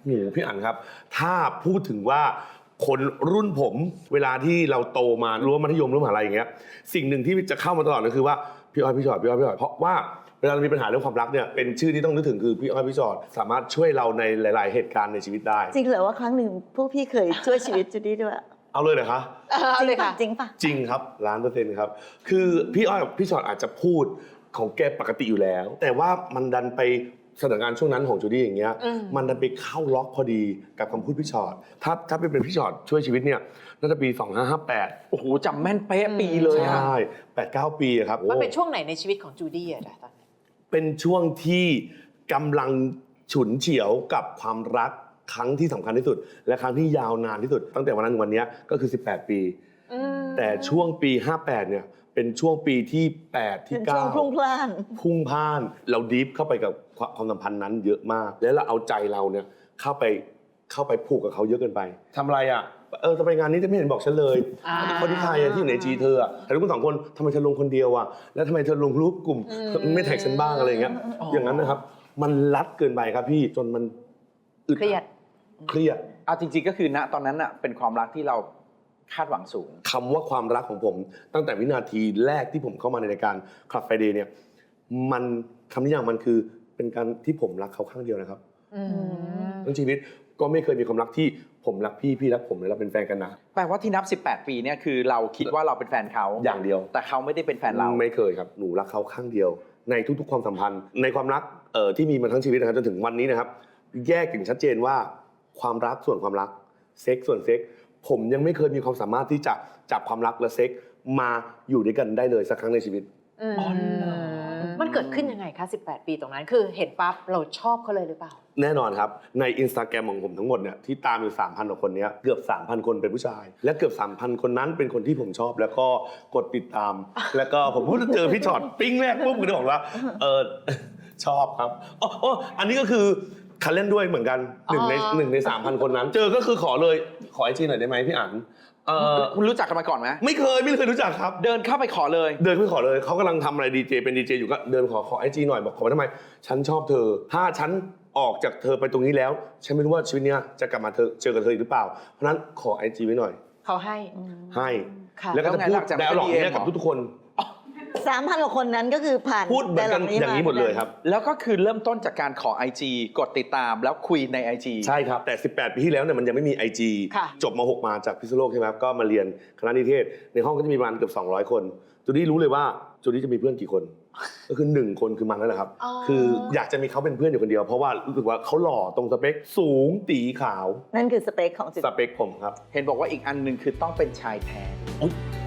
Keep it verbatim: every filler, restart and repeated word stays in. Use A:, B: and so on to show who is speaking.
A: โหพี่อั๋นครับถ้าพูดถึงว่าคนรุ่นผมเวลาที่เราโตมารั้วมัธยมรั้วมหาลัยอย่างเงี้ยสิ่งหนึ่งที่จะเข้ามาตลอดก็คือว่าพี่อ้อยพี่ชอตพี่อ้อยพี่ชอตเพราะว่าเวลาเรามีปัญหาเรื่องความรักเนี่ยเป็นชื่อที่ต้องนึกถึงคือพี่อ้อยพี่ชอตสามารถช่วยเราในหลาย ๆ เหตุการณ์ในชีวิตได้
B: จริงเหรอว่าครั้งหนึ่งพวกพี่เคยช่วยชีวิตจูดี้ด้วย
A: เอาเลยเหรอคะ
C: เอาเลยค่ะ
B: จริงปะ
A: จริงครับล้านเปอร์เซ็นต์ครับคือพี่อ้อยพี่ชอตอาจจะพูดของแกปกติอยู่แล้วแต่ว่ามันดันไปสถานการณ์ช่วงนั้นของจูดี้อย่างเงี้ยมันดันไปเข้าล็อกพอดีกับคำพูดพี่ชอตถ้าถ้าเป็นพี่ชอตช่วยชีวิตเนี่ยน่าจะปีสองพันห้าร้อยห้าสิบแปด
D: โอ้โหจำแม่นเป๊ะปีเลย
A: ใช
D: อะ
A: ่แปดเก้าปีครับ
C: มันเป็นช่วงไหนในชีวิตของจูดี้อะตอนนั้น
A: เป็นช่วงที่กำลังฉุนเฉียวกับความรักครั้งที่สำคัญที่สุดและครั้งที่ยาวนานที่สุดตั้งแต่วันนั้นถึงวันนี้ก็คือสิบแปดปีแต่ช่วงปีห้าแปดเนี่ยเป็นช่วงปีที่แปดที่เก้า
B: เป็นช่วงพรุ่งพล่าน
A: พุ่งพ่านเราดีฟเข้าไปกับความสัมพันธ์นั้นเยอะมากแล้วเราเอาใจเราเนี่ยเข้าไปเข้าไปผูกกับเขาเยอะเกินไปทำอะไรอ่ะเออจะไปงานนี้จะไม่เห็นบอกฉันเลยคนที่ใครที่อยู่ในจีเธออ่ะแต่ทุกคนสองคนทำไมเธอลงคนเดียวอ่ะแล้วทำไมเธอลงรูปกลุ่มไม่แท็กฉันบ้างอะไรอย่างเงี้ยอย่างนั้นนะครับมันรัดเกินไปครับพี่จนมัน
C: เครียด
A: เครียด
D: เอาจริงๆก็คือณตอนนั้นอะเป็นความรักที่เราคาดหวังสูง
A: คำว่าความรักของผมตั้งแต่วินาทีแรกที่ผมเข้ามาในรายการคลับไฟเดย์เนี่ยมันคำนิยามมันคือเป็นการที่ผมรักเขาข้างเดียวนะครับทั้งชีวิตก็ไม่เคยมีความรักที่ผมรักพี่พี่รักผมแล้วเราเป็นแฟนกันนะ
D: แปลว่าที่นับสิบแปดปีเนี่ยคือเราคิดว่าเราเป็นแฟนเขา
A: อย่างเดียว
D: แต่เขาไม่ได้เป็นแฟนเรา
A: ไม่เคยครับหนูรักเขาข้างเดียวในทุกๆความสัมพันธ์ในความรักเอ่อที่มีมาทั้งชีวิตนะครับจนถึงวันนี้นะครับแยกอย่างชัดเจนว่าความรักส่วนความรักเซ็กส่วนเซ็กผมยังไม่เคยมีความสามารถที่จะจับความรักและเซ็กมาอยู่ด้วยกันได้เลยสักครั้งในชีวิต
C: มันเกิดขึ้นยังไงคะสิบแปดปีตรงนั้นคือเห็นปั๊บเราชอบเขาเลยหรือเปล่า
A: แน่นอนครับใน Instagram ของผมทั้งหมดเนี่ยที่ตามอยู่ สามพัน กว่าคนเนี้ยเกือบ สามพัน คนเป็นผู้ชายและเกือบ สามพัน คนนั้นเป็นคนที่ผมชอบแล้วก็กดติดตามแล้วก็ผมพูดเจอพี่ช็อตปิ้งแรกปุ๊บก็บอกว่าเออชอบครับอ๋ออันนี้ก็คือคันเล่นด้วยเหมือนกันหนึ่งในหนึ่งใน สามพัน คนนั้นเจอก็คือขอเลยขอไอจีหน่อยได้ไหมพี่อั๋น
D: เออคุณรู้จักกันมาก่อนไหม
A: ไม่เคยไม่เคยรู้จักครับ
D: เดินเข้าไปขอเลย
A: เดินไปขอเลยเขากำลังทำอะไรดีเจเป็นดีเจอยู่ก็เดินขอขอไอจีหน่อยบอกขอทำไมฉันชอบเธอถ้าฉันออกจากเธอไปตรงนี้แล้วฉันไม่รู้ว่าชีวิตนี้จะกลับมาเธอเจอกับเธอหรือเปล่าเพราะนั้นขอไอจีไว้หน่อย
C: เขาให้
A: ให้แล้วก็จะพูดแต่หลอกเนี่ยกับทุกคน
B: สามพันกว่าคนนั้นก็คือผ่าน
A: พูดเหมือนกันอย่างนี้หมดเลยครับ
D: แล้วก็คือเริ่มต้นจากการขอ ไอ จี กดติดตามแล้วคุยใน ไอ จี
A: ใช่ครับแต่สิบแปดปีที่แล้วเนี่ยมันยังไม่มี ไอ จี จบม หกมาจากพิษณุโลกใช่ไหมครับก็มาเรียนคณะนิเทศในห้องก็จะมีประมาณเกือบสองร้อยคนจูดี้รู้เลยว่าจูดี้จะมีเพื่อนกี่คนก็คือหนึ่งคนคือมันนั่นแหละครับคืออยากจะมีเขาเป็นเพื่อนอยู่คนเดียวเพราะว่ารู้สึกว่าเขาหล่อตรงสเปคสูงตีขาว
B: นั่นคือสเปคของ
A: สเปคผมครับ
D: เห็นบอกว่าอีกอันนึงคือต้องเป็นชายแท้